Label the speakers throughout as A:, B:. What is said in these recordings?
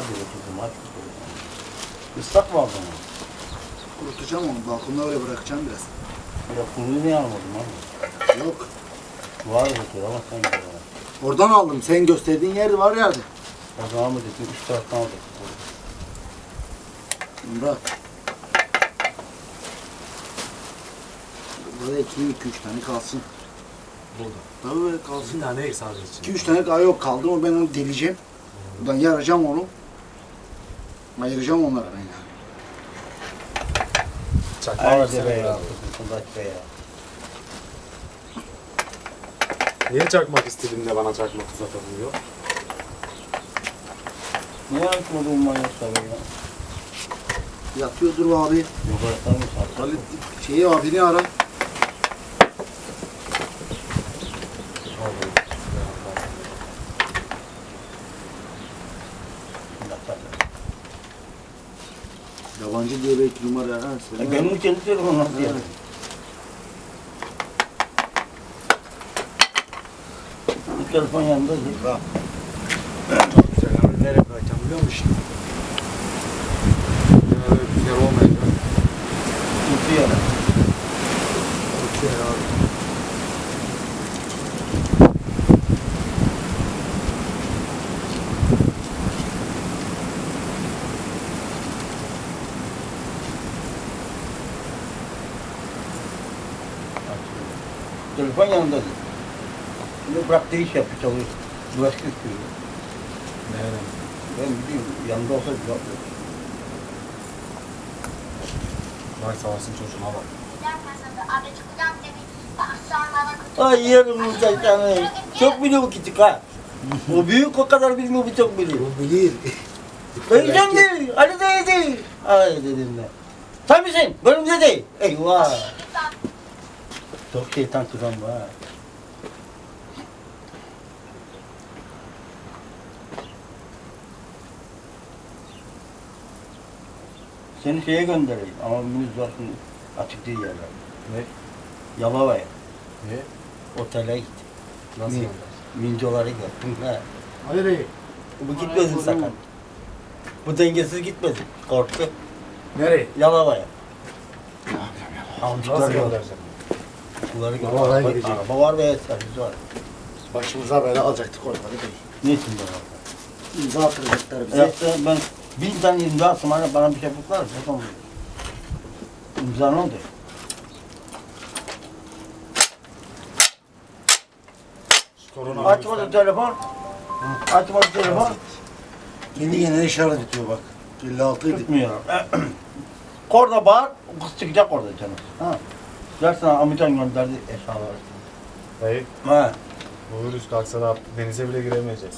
A: diyor kızım aç. Islak mı aldın onu?
B: Kurutacağım onu. Balkonda öyle bırakacağım biraz.
A: Ya kuluyu niye almadın abi?
B: Yok.
A: Var bakıyor ama sen de var.
B: Oradan aldım. Sen gösterdiğin yer var yerde.
A: O zaman mı dedin? Üç taraftan aldık.
B: Murat. Burada 2-3 tane kalsın.
C: Burada.
B: Tabii böyle kalsın.
C: Bir tane ek sadece için.
B: 2-3 tane daha yok kaldı mı ben onu deleceğim. Buradan yaracağım onu. Ayıracağım onları ben yani.
C: Çakmak
A: Hadi
C: versene
A: be
C: be
A: ya.
C: abi.
A: Kızım be ya.
C: Niye çakmak istediğinde bana çakmak uzatamıyor?
A: Niye açmadın manyaklar ya?
B: Yatıyordur abi.
A: Yok aratanmış artık.
B: Halit şeyi abini ara. Yabancı diye belki numara ha.
A: Benim kendi telefonum nasıl yani? Bu telefon yanında değil.
B: Bak.
C: Çok güzel. Yani nereye bırakacağım biliyor musun? Yani öyle bir yer olmayacak.
A: Tutuyor.
C: Çok güzel abi.
A: Telefon yanında değil. Şimdi bıraktığı iş yapıyor, çalışıyor. Bulaşık istiyor.
C: Nereden?
A: Ben biliyorum, yanında olsa güzel olur.
C: Bak savaşın çocuğuna bak.
A: Ay yerim saçlarını. Çok biliyor bu küçük ha. O büyük o kadar bilmiyor, bu çok biliyor.
B: O bilir.
A: Dayıcan değil, Ali dayı değil. Ay dedim ben. Sen misin? Benim de değil. Eyvah. Çok şeytan çıkan bu ha. Seni şeye göndereyim ama müz varsın açık değil yerler.
C: Ne?
A: Yalova'ya,
C: Ne?
A: otele git.
C: Nasıl
A: Mi-
C: gönder?
A: Mincoları gör. Ha.
B: Hadi Bey.
A: Bu gitmesin sakın. Bu dengesiz gitmesin. Korktu.
B: Nereye?
A: Yalova'ya.
C: Nasıl
A: Avcıklar gör.
C: göndereceğim?
A: Bunları gör.
B: Yalova'ya
A: Araba-
B: gidecek.
A: Araba var ve servis var.
B: Başımıza böyle alacaktık orada Bey.
A: Ne için bana?
B: İmza attıracaklar bize.
A: Yaptı ben 1000 tane imza atsam hani bana bir şey yapıklar mı? Yapamam. İmza ne oldu?
C: Korona
A: Açmadı telefon. Açmadı telefon.
B: Kendi kendine işaret ediyor bak. 56 idi.
A: Tutmuyor. Orada bağır, kız çıkacak orada canım. Ha. Dersin amcan gönderdi eşyaları.
C: Dayı,
A: Ha.
C: bu virüs kalksa da denize bile giremeyeceğiz.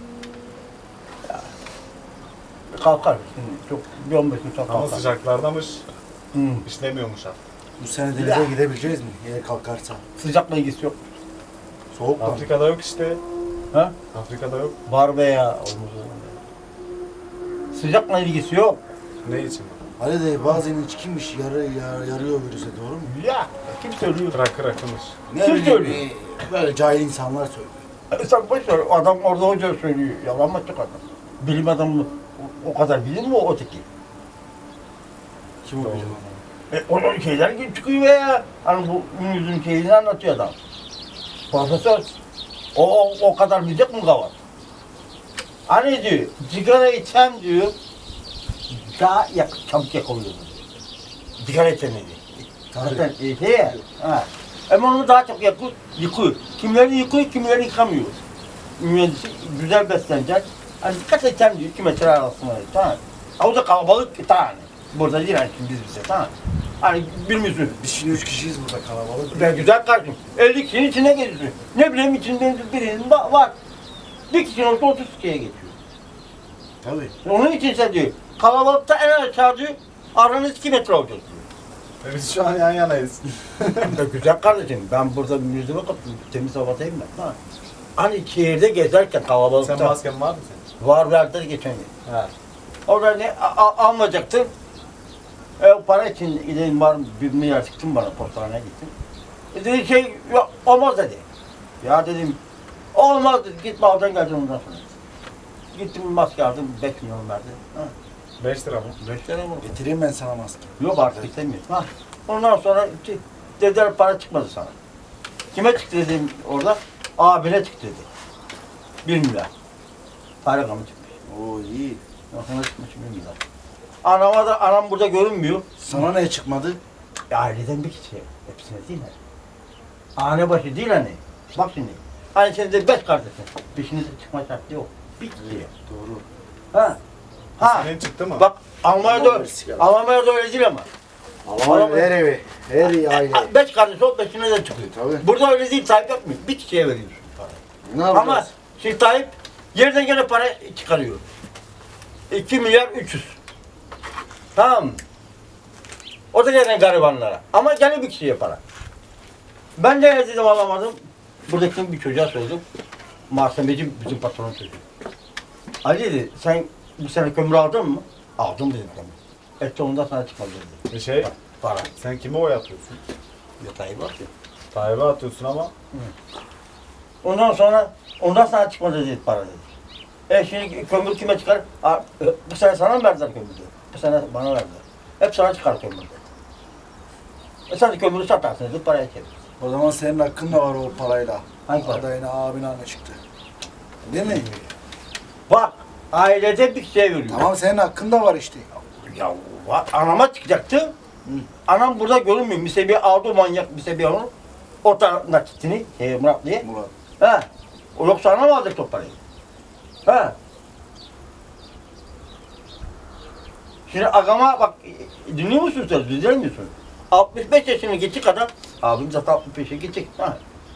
A: Kalkar şimdi çok bir 15 gün sonra
C: Ama
A: kalkar.
C: sıcaklardamış,
A: Hı.
C: işlemiyormuş ha.
B: Bu sene denize gidebileceğiz mi? Yine kalkarsa.
A: Sıcakla ilgisi yok.
B: Soğuk mu?
C: Afrika'da yok işte.
A: Ha?
C: Afrika'da yok.
A: Var veya olmaz. Sıcakla ilgisi yok.
C: Ne için?
B: Ali de bazen içkiymiş yarıyor virüse doğru mu?
A: Ya kim söylüyor?
C: Rakı rakımış.
B: Ne
A: Kim
B: bileyim,
A: söylüyor?
B: böyle cahil insanlar söylüyor.
A: Sen boş ver, adam orada hoca söylüyor. Yalan mı çıkar? Bilim adamı o kadar bilir mi o öteki?
B: Kim o
C: Doğru.
B: bilir onu?
A: Onun şeyler gibi çıkıyor ya. Hani bu yüzün şeyini anlatıyor adam. Profesör. O kadar bilecek mi kavar? Hani diyor, sigara içsem diyor, daha çabuk yakalıyor diyor. Sigara içsem diyor. Zaten şey ya. Ha. Ama onu daha çok yıkıyor. Kimileri yıkıyor, kimileri yıkamıyor. Mühendisi güzel beslenecek. Hani dikkat edeceğim diyor, 2 metre arasında. Tamam. O da kalabalık tane. Burada değil hani biz bize tamam. Hani bilmiyorsun.
B: Biz şimdi 3 kişiyiz burada kalabalık.
A: Ben güzel kardeşim. 50 kişinin içine geziyor. Ne bileyim içinde birinin var. Bir kişinin olsa 30 kişiye geçiyor.
B: Tabii.
A: Onun için sen diyor, kalabalıkta en aşağı diyor, aranız 2 metre olacak diyor.
C: Biz şu an yan yanayız.
A: Ya güzel kardeşim, ben burada yüzüme kaptım, temiz havadayım ben. Ha. Hani şehirde gezerken kalabalıkta
C: Sen masken var mı senin?
A: var verdiler geçen gün.
C: Ha.
A: Orada ne almayacaktın. Para için gideyim var bir milyar çıktım bana postaneye gittim. Dedi şey yok, olmaz dedi. Ya dedim olmaz dedi, gitme aldan geleceksin ondan sonra. Gittim maske aldım 5 milyon verdi. Ha,
C: 5 lira mı?
A: 5 lira mı?
B: Getireyim ben sana maske.
A: Yok artık istemiyorum. Ha. Ondan sonra dediler para çıkmadı sana. Kime çıktı dedim orada? Abine çıktı dedi. 1 milyar. Para kamı çıkmış.
B: Oo iyi.
A: Ona çıkmış 1 milyar. Anama da anam burada görünmüyor.
B: Sana ne çıkmadı?
A: Aileden bir kişi. Hepsine değil mi? Hane başı değil hani. Bak şimdi. Hani sen de 5 kardeşsin. Peşinize çıkma şartı yok. Bir kişi yok.
B: Doğru.
A: Ha. Ha.
C: Senin çıktı mı?
A: Bak Almanya'da
B: Sigara.
A: Almanya'da öyle değil ama.
B: Allah'ım her evi, her aile.
A: 5 kardeş ol 5'ine de çıkıyor.
B: Tabii.
A: Burada öyle değil, Tayyip yapmıyor. Bir kişiye veriyorsun parayı.
B: Ne yapacağız?
A: Ama şimdi Tayyip yerden gene para çıkarıyor. 2 milyar 300. Tamam mı? O da gene garibanlara. Ama gene bir kişiye para. Ben de dedim alamadım. Buradaki bir çocuğa sordum. Malzemeci bizim patronun çocuğu. Ali dedi, sen bu sene kömür aldın mı? Aldım dedim kömür. Et ondan sana çıkmadı dedi.
C: Bir şey,
A: Para.
C: sen kime oy atıyorsun?
A: Ya Tayyip var ki.
C: Tayyip'e atıyorsun ama
A: Ondan sana çıkmadı dedi para dedi. Şimdi kömür kime çıkar? Bu sene sana mı verdiler kömürü? Bu sene bana verdiler. Hep sana çıkar kömür dedi. Sen de kömürü satarsın dedi, paraya çevir.
B: O zaman senin hakkın da var o parayla.
A: Hangi para?
B: Adayına, abine ne çıktı? Değil mi?
A: Bak, ailede bir şey veriyor.
B: Tamam senin hakkın da var işte.
A: Ya anama çıkacaktı. Anam burada görünmüyor. Misebi aldı manyak Misebi onu. Orta nakitini, Muratlı'ya.
B: Murat.
A: He. O yoksa anam alacak o parayı. He. Şimdi agama bak, dinliyor musun sen? Dinlemiyorsun. 65 yaşını geçik adam, abim zaten 65'e geçik. Ha.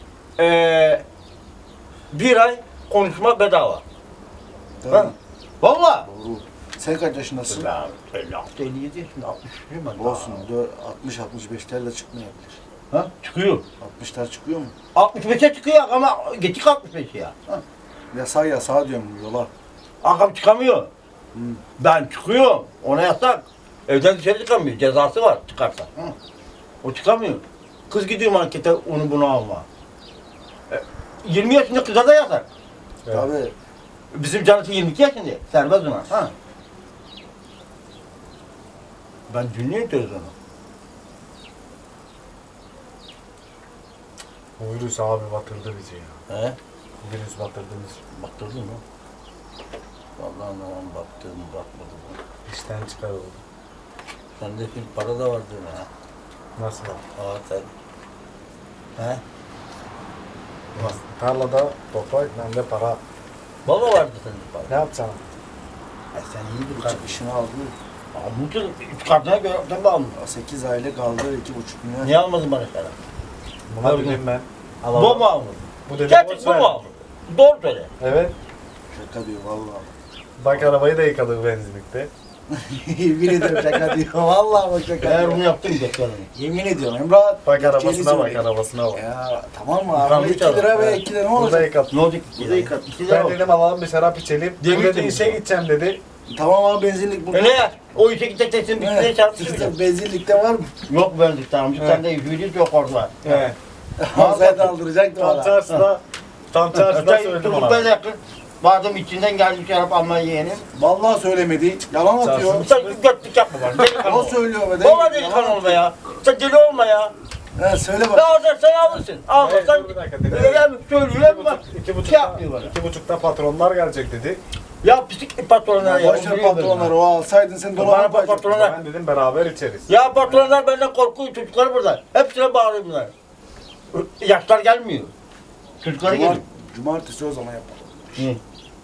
A: Bir ay konuşma bedava.
B: Tabii.
A: Ha. Valla.
B: Doğru. Sen kaç yaşındasın?
A: Ya 56, 57 yaşında, 63'üyüm ben.
B: Olsun. 60-65'lerle çıkmayabilir.
A: Ha? Çıkıyor.
B: 60'lar çıkıyor mu?
A: 65'e çıkıyor ama geçik 65 ya. Ha.
B: Yasağa diyorum yola.
A: Agam çıkamıyor.
B: Hı.
A: Ben çıkıyorum. Ona yasak. Evden dışarı çıkamıyor. Cezası var çıkarsa. Hı. O çıkamıyor. Kız gidiyor markete onu bunu alma. 20 yaşında kıza da yasak.
C: Evet.
B: Tabii.
A: Bizim canısı 22 yaşında. Serbest ona. Ha. Ben dinliyorum televizyonu.
C: bu virüs abi batırdı bizi ya.
A: He?
C: Bu virüs batırdı bizi.
A: Baktırdın mı? Vallahi anlamam baktım bakmadım.
C: İşten çıkarıldı.
A: Sende şimdi para da vardır ha.
C: Nasıl var?
A: Aa sen. He?
C: Tarlada toprak, bende para.
A: Baba vardı sende para.
C: Ne yapacaksın?
A: Sen iyi bir
B: Bu
A: kardeş.
B: çıkışını aldı.
A: Almışsın. 3 kartına göre tabii almış.
B: 8 aile kaldı 2,5 milyon.
A: Niye almadın bana sana?
C: Buna
A: Tabii.
C: dedim ben.
A: Bu mu almadın?
C: Bu dedim
A: Gerçek
C: boş
A: bu
C: ver.
A: mu almadın? Doğru söyle.
C: Evet.
B: Şaka diyor vallahi.
C: Bak arabayı da yıkadık benzinlikte.
B: Yemin ediyorum şaka diyor. Vallahi bak şaka
A: Eğer
B: diyor.
A: bunu yaptın beklerim.
B: Yemin ediyorum Emrah.
C: Bak
B: gerçeğini
C: arabasına bak,
B: söylüyor.
C: arabasına bak.
B: Ya tamam mı
A: Yıkanmış
B: abi? 2 lira
A: araba.
B: ve
A: Evet.
B: 2 lira ne
C: Burada
B: olacak?
C: yıkadık.
A: Ne olacak?
B: Bu da yıkat.
C: Ben dedim alalım bir şarap içelim. Bu
A: Demir
C: dedi
A: temiz
C: işe
A: ama.
C: gideceğim dedi.
B: Tamam abi benzinlik burada.
A: E ne ya? O işe gidecek teksin bir kere çarpsın.
B: İşte benzinlikte var mı?
A: Yok bendik tamam.
C: Evet.
A: Sen de yüzüğünüz yok orada.
C: He.
B: Sen de aldıracaktın
C: Tam
B: bana.
C: çarşıda, tam çarşıda söyledim
A: Çocuk
C: ona.
A: böyle yakın. Vardım içinden geldi şarap almaya yeğenim.
B: Vallahi söylemedi. Yalan atıyor.
A: Sen götlük yapma bana. Delikanlı
B: O
A: ol.
B: söylüyor be.
A: Baba delikanlı olma ya. Sen deli olma ya.
B: He söyle
A: Ne
B: bak.
A: olacak sen alırsın. Almasan
C: Dur bir dakika dedi.
A: hem söylüyor ama şey yapmıyor bana.
C: 2,5'ta patronlar gelecek dedi.
A: Ya pislik patronlar ya.
B: Başka patronları o alsaydın sen
A: Bana
B: dolaba koyacaktın.
A: patronlar.
C: Ben dedim beraber içeriz.
A: Ya patronlar benden korkuyor. Çocukları burada. Hepsine bağırıyor bunlar. Yaşlar gelmiyor. Çocukları geliyor.
B: Cumartesi o zaman yapalım.
A: Hı.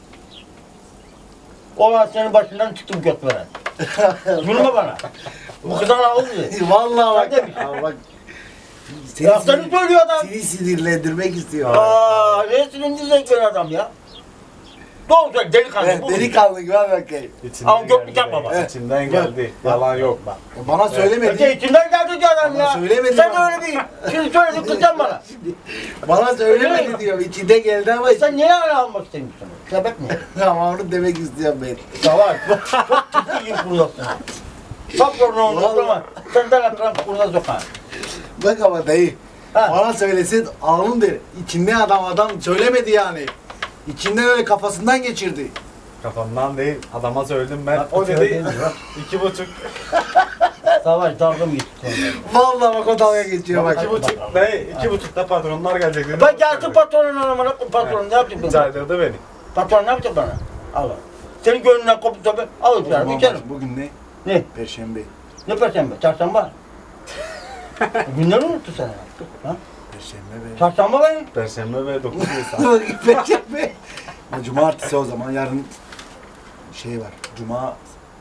A: O an senin başından çıktım göt veren. Zulme bana. Bu kızdan aldı.
B: Vallahi
A: Sen de bir-
B: bak. Abi bak.
A: Laflarını söylüyor adam.
B: Seni sinirlendirmek istiyor.
A: Aa, ne sinirlendirecek bir adam ya. Doğru söyle delikanlı.
B: Evet,
A: bu.
B: delikanlı gibi hadi bakayım.
A: Ama göklük yapma bak.
C: İçinden geldi. Yalan yok bak.
B: Bana
A: Öte
B: söylemedi.
A: içinden geldi diyor adam
B: Ama
A: ya.
B: söylemedi
A: Sen
B: bana.
A: öyle bir şimdi söyledin kızacaksın bana.
B: Bana söylemedi diyor. İçinde geldi ama
A: Sen niye hala almak istemiyorsun? Sebep ne?
B: ama onu demek istiyorum ben.
A: Savaş. Çok ciddi kuruyorsun. Bak sorunu oldu
B: Vallahi.
A: ama senden akran kuruna sokar.
B: Bak ama dayı.
A: Ha.
B: Bana söylesin alın der. İçinde adam söylemedi yani. İçinden öyle kafasından geçirdi.
C: Kafamdan değil. Adama söyledim ben.
A: Bak,
C: O dedi
A: söyledim, bak.
C: 2,5.
A: Savaş dalga mı geçti sonra?
B: Vallahi bak o dalga geçiyor bak.
C: 2,5 ne? 2,5'da patronlar gelecek dedi.
A: Ben gelsin patronun anamına, patron ne yapacak bana?
C: Caydırdı beni.
A: Patron ne yapacak bana? Allah. Senin gönlünden kopup tabi alıp
B: O
A: yani
B: zaman
A: içerim.
B: bak, bugün ne?
A: Ne?
B: Perşembe.
A: Ne perşembe? Çarşamba. Günleri unuttu sen. Ha?
B: Perşembe be.
A: Çarşamba benim.
C: Perşembe ve 9 Nisan.
B: Perşembe. Ha, cumartesi o zaman yarın şey var. Cuma.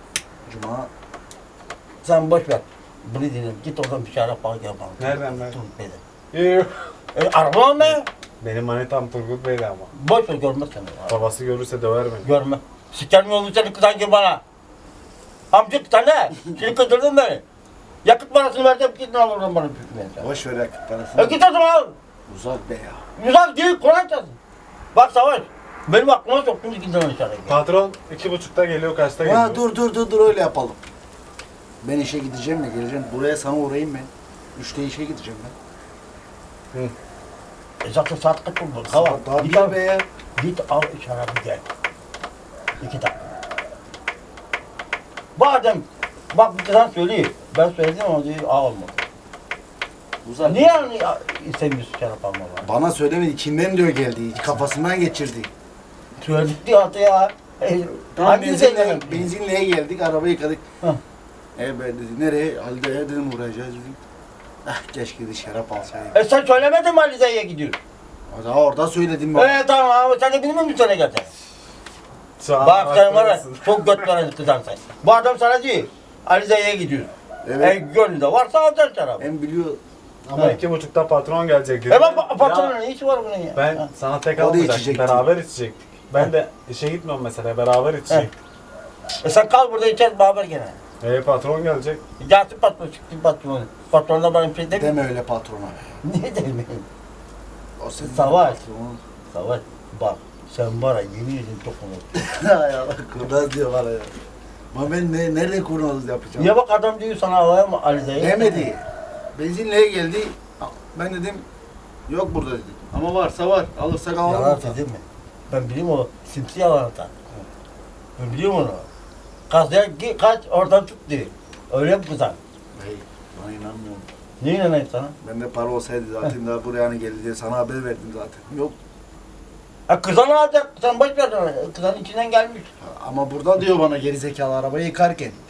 A: Sen boş ver. Bunu dinle. Git oradan bir şeyler falan yapalım.
C: Nereden ben?
A: Dur beni.
C: Yuh.
A: Araba mı?
C: Benim manitam Turgut Bey'di ama.
A: Boş ver görmez seni.
C: Babası görürse döver beni.
A: Görme. Sikerim yolunu seni kızan gibi bana. Amcık sen ne? Seni kızdırdın beni. Yakıt parasını versem gidin al oradan bana büyük bir
B: boş ver yakıt parasını.
A: git o zaman al.
B: Uzak be ya.
A: Güzel değil, kolay çalsın. Bak Savaş, benim aklıma soktun ikinden aşağıya.
C: Patron 2,5'ta geliyor, kaçta geliyor?
B: Ha dur öyle yapalım. Ben işe gideceğim ya geleceğim. Buraya sana uğrayayım ben. 3'te işe gideceğim ben.
A: Zaten saat kaç oldu? Hava.
B: Daha
A: Git
B: bir
A: al,
B: be ya.
A: git al şarabı gel. 2 dakika. Badem, bak bir kızan söyleyeyim. Ben söyledim ama diyor alma.
B: Uzak.
A: Niye yani istemiyorsun şarap alma bana?
B: Bana söylemedi. İçinden diyor geldi. Kafasından geçirdi.
A: Söyledik diyor hatta ya.
B: Tamam
A: Hangi zeytin?
B: benzinliğe geldik. Arabayı yıkadık.
A: Hı.
B: Ben dedi nereye? Halide'ye dedim uğrayacağız dedim. Ah keşke de şarap alsaydım.
A: Sen söylemedin mi Alize'ye gidiyorsun?
B: Daha orada söyledim ben.
A: Tamam ama sen de bilmiyor musun sana gelsen?
C: Şu an
A: Bak sen var ya,
C: haklısın.
A: çok göt veren kızan sen. Bu adam sana diyor, Alize'ye gidiyor.
B: Evet.
A: Gönlünde varsa alacaksın şarabı.
B: Ben biliyor.
C: Ama
A: Ha.
C: 2,5'ta patron gelecek dedi.
A: Bak
C: Ya,
A: patronun ne işi var bunun ya?
C: ben
A: Ha.
C: sana tek
B: O da
C: almayacaktım.
B: içecekti.
C: Beraber içecektik. Ben de işe gitmiyorum mesela. Beraber içecektik.
A: Sen kal burada içeriz beraber gene.
C: Patron gelecek.
A: Gelsin patron, çıktı patron. Patron da bana bir şey demiyor.
B: Deme öyle patrona.
A: Niye demiyor?
B: O senin
A: Savaş.
B: patronun.
A: Savaş, bak sen var ya yemin ederim çok unuttum.
B: Hay Allah kurnaz diyor bana ya. Ama ben nerede kurnaz yapacağım?
A: Ya bak adam diyor sana havaya mı Alize'ye?
B: Demedi. Benzinliğe geldi. Ben dedim yok burada dedim. Ama varsa var. Alırsak alalım.
A: Yalan dedim mi? Ben biliyorum o simsi yalan atar. Ben biliyorum onu. Kazaya kaç oradan tut diye. Öyle mi kızan?
B: Hey, bana inanmıyorum.
A: Niye inanayım sana?
B: Bende para olsaydı zaten daha buraya hani geldi diye sana haber verdim zaten. Yok.
A: Ha kızan alacak, sen boş ver sana. Kızan içinden gelmiş.
B: Ama burada diyor bana gerizekalı arabayı yıkarken.